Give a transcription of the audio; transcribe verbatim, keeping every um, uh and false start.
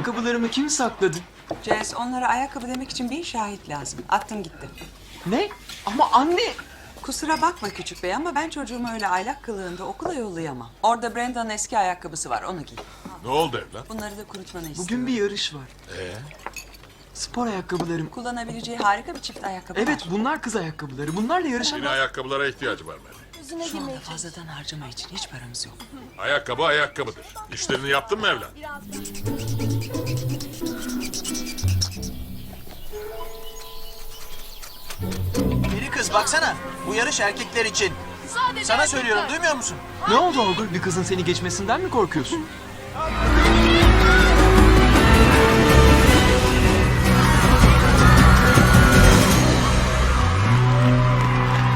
Ayakkabılarımı kim sakladı? Jess, onlara ayakkabı demek için bir şahit lazım. Attım gitti. Ne? Ama anne! Kusura bakma küçük bey ama ben çocuğumu öyle aylak kılığında okula yollayamam. Orada Brenda'nın eski ayakkabısı var, onu giy. Ne oldu evlat? Bunları da kurutmanı istiyorum. Bugün bir yarış var. Ee? Spor ayakkabılarım. Kullanabileceği harika bir çift ayakkabı var. Evet, bunlar kız ayakkabıları. Bunlarla Yine yarışamaz. ayakkabılara ihtiyacı var Mary. Şu anda fazladan harcama için hiç paramız yok. Ayakkabı ayakkabıdır. İşlerini yaptın mı evlat? Peri kız baksana. Bu yarış erkekler için. Sana söylüyorum, duymuyor musun? Ne oldu Olgur? Bir kızın seni geçmesinden mi korkuyorsun?